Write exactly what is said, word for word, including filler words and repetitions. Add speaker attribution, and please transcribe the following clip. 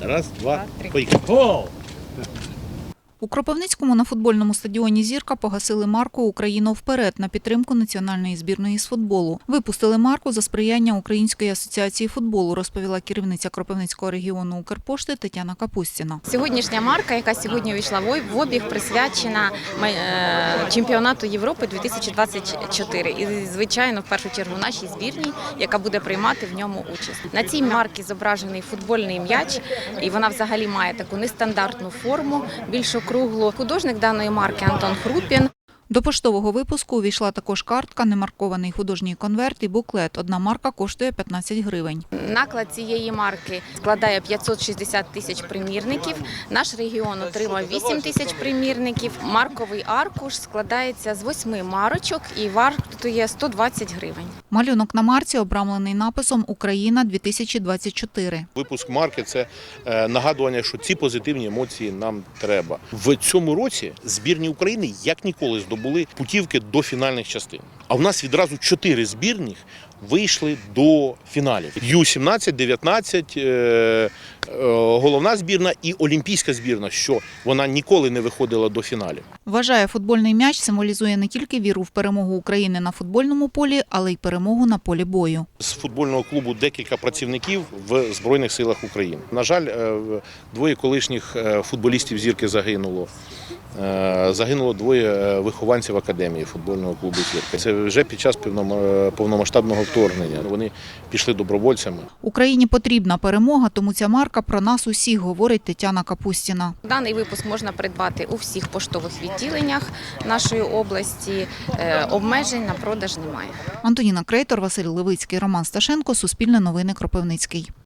Speaker 1: Раз, два, поїхали. Гол!
Speaker 2: У Кропивницькому на футбольному стадіоні «Зірка» погасили марку «Україна вперед» на підтримку національної збірної з футболу. Випустили марку за сприяння Української асоціації футболу, розповіла керівниця Кропивницького регіону Укрпошти Тетяна Капустіна.
Speaker 3: Сьогоднішня марка, яка сьогодні увійшла в обіг, присвячена чемпіонату Європи дві тисячі двадцять чотири. І, звичайно, в першу чергу нашій збірній, яка буде приймати в ньому участь. На цій марці зображений футбольний м'яч, і вона взагалі має таку нестандартну форму, більш округлу. Художник даної марки Антон Хрупін.
Speaker 2: До поштового випуску увійшла також картка, немаркований художній конверт і буклет. Одна марка коштує п'ятнадцять гривень.
Speaker 3: Наклад цієї марки складає п'ятсот шістдесят тисяч примірників. Наш регіон отримав вісім тисяч примірників. Марковий аркуш складається з восьми марочок і вартує сто двадцять гривень.
Speaker 2: Малюнок на марці обрамлений написом «Україна дві тисячі двадцять чотири».
Speaker 1: Випуск марки – це нагадування, що ці позитивні емоції нам треба. В цьому році збірні України як ніколи здобули путівки до фінальних частин. А в нас відразу чотири збірних вийшли до фіналів. ю сімнадцять, дев'ятнадцять, головна збірна і олімпійська збірна, що вона ніколи не виходила до фіналів.
Speaker 2: Вважає, футбольний м'яч символізує не тільки віру в перемогу України на футбольному полі, але й перемогу на полі бою.
Speaker 1: З футбольного клубу декілька працівників в Збройних силах України. На жаль, двоє колишніх футболістів «Зірки» загинуло. Загинуло двоє вихованців академії футбольного клубу «Зірка». Це вже під час повномасштабного вторгнення. Вони пішли добровольцями.
Speaker 2: Україні потрібна перемога, тому ця марка про нас усіх, говорить Тетяна Капустіна.
Speaker 3: Даний випуск можна придбати у всіх поштових відділеннях нашої області. Обмежень на продаж немає.
Speaker 2: Антоніна Крейтор, Василь Левицький, Роман Сташенко, Суспільне новини, Кропивницький.